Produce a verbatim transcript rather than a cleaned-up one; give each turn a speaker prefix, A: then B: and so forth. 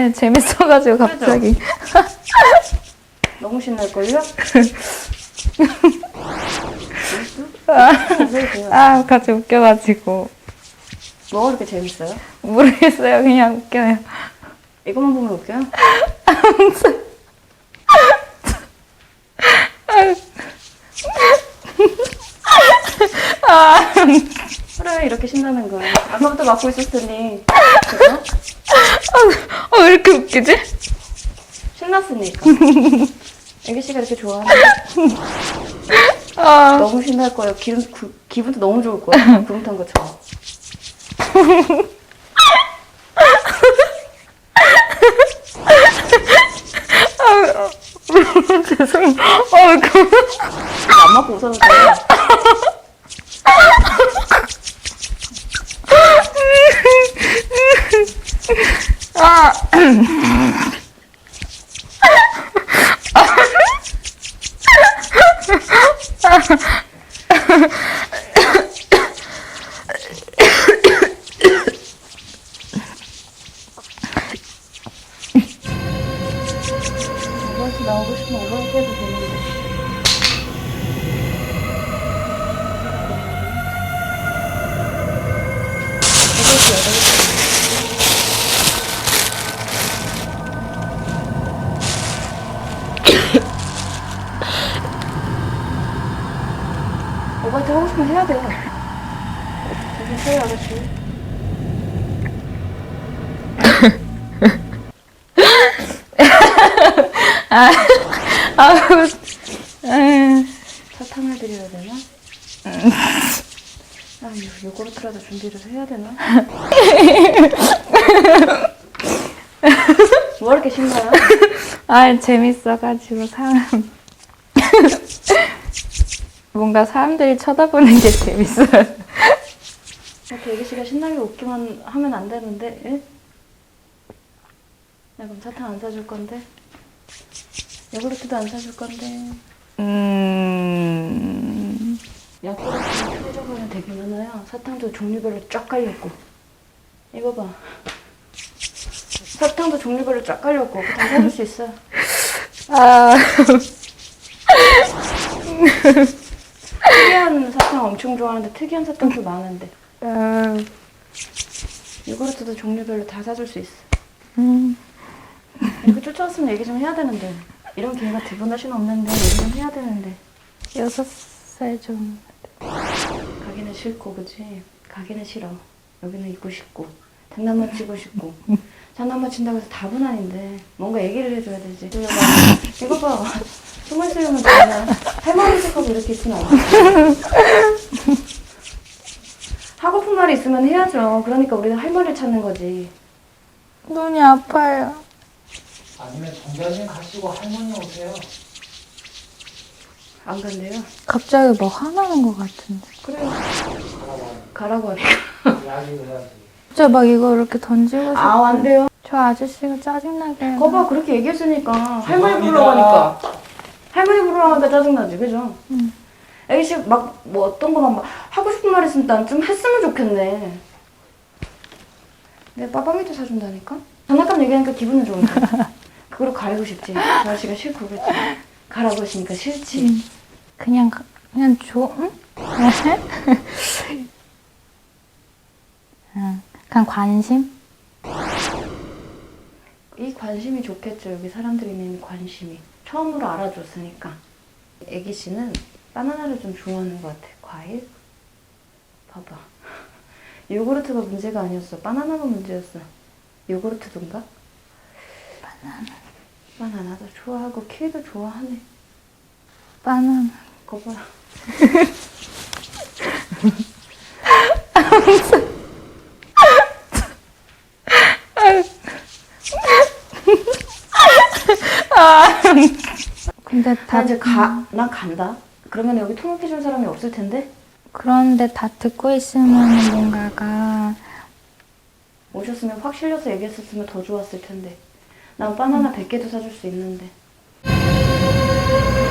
A: 아니, 재밌어가지고 갑자기.
B: 너무 신날걸요?
A: 아, 아, 같이 웃겨가지고.
B: 뭐가 그렇게 재밌어요?
A: 모르겠어요. 그냥 웃겨요.
B: 이것만 보면 웃겨요?
A: 아,
B: 그래, 이렇게 신나는 거야. 아까부터 맡고 있었을 테니. 그죠?
A: 어, 왜 이렇게 웃기지?
B: 신났으니까. 애기 씨가 이렇게 좋아하는
A: 아,
B: 너무 신날 거예요. 기분, 구, 기분도 너무 좋을 거예요. 구름 탄 것처럼.
A: 죄송해요. 어, 그,
B: 안 맞고 웃어도 돼요.
A: 아,
B: 오버워치 나오고 싶으면 오버워치 해도 되는데. 오버워치 여덟 개. 오버워치 하고 싶으면 해야 돼요. 정신 차려, 아저씨.
A: 아, 아, 음,
B: 사탕을 드려야 되나? 아, 요, 요거트라도 준비를 해야 되나? 뭐 이렇게 신나요?
A: 아, 재밌어가지고 사람 뭔가 사람들이 쳐다보는 게 재밌어요.
B: 이렇게 애기 씨가 신나게 웃기만 하면 안 되는데, 예? 야, 그럼 사탕 안 사줄 건데? 요구르트도 안 사줄 건데?
A: 음,
B: 야구르트는 표적으로는 되게 많아요. 사탕도 종류별로 쫙 깔렸고. 이거 봐. 사탕도 종류별로 쫙 깔렸고. 그거 다 사줄 수 있어.
A: 아,
B: 특이한 사탕 엄청 좋아하는데 특이한 사탕도 많은데.
A: 음,
B: 요구르트도 종류별로 다 사줄 수 있어.
A: 음,
B: 이렇게 쫓아왔으면 얘기 좀 해야 되는데. 이런 기회가 두 번 다시는 없는데 얘기 좀 해야 되는데.
A: 여섯 살 좀.
B: 가기는 싫고, 그치? 가기는 싫어. 여기는 있고 싶고, 장난만 치고 싶고. 장난만 친다고 해서 답은 아닌데, 뭔가 얘기를 해줘야 되지. 이거 봐. 숨을 쉬려면 되나. 할머니 척하고 이렇게 있으면 안 돼. 하고픈 말이 있으면 해야죠. 그러니까 우리는 할머니를 찾는 거지.
A: 눈이 아파요.
C: 아니면 정자진 가시고 할머니 오세요.
B: 안 간대요?
A: 갑자기 뭐 화나는 것 같은데.
B: 그래요.
C: 가라고
B: 가라고 하니까.
C: 이야기를 해야지.
A: 진짜 막 이거 이렇게 던지고 싶어.
B: 아, 안 돼요.
A: 저 아저씨가 짜증나게. 해요.
B: 거봐, 그렇게 얘기했으니까. 할머니
C: 죄송합니다.
B: 부르라고 하니까. 할머니 부르라고 하니까 짜증나지, 그죠?
A: 응.
B: 애기씨 막, 뭐 어떤 거 막 하고 싶은 말 있으면 난 좀 했으면 좋겠네. 내가 빠빠미도 사준다니까? 장난감 얘기하니까 기분은 좋은데. 그거로 가리고 싶지. 저 아저씨가 싫고 그랬지. 가라고 했으니까 싫지.
A: 응. 그냥, 가- 그냥 줘, 응? 응. 그냥 관심?
B: 이 관심이 좋겠죠. 여기 사람들이 있는 관심이. 처음으로 알아줬으니까. 애기 씨는 바나나를 좀 좋아하는 것 같아. 과일? 봐봐. 요구르트가 문제가 아니었어. 바나나가 문제였어. 요구르트던가?
A: 바나나.
B: 바나나도 좋아하고 키위도 좋아하네.
A: 바나나.
B: 거 봐.
A: 근데
B: 나
A: 다,
B: 이제 가, 난 간다. 그러면 여기 통역해줄 사람이 없을 텐데?
A: 그런데 다 듣고 있으면 뭔가가,
B: 오셨으면 확 실려서 얘기했었으면 더 좋았을 텐데. 난 바나나 백 개도 사줄 수 있는데.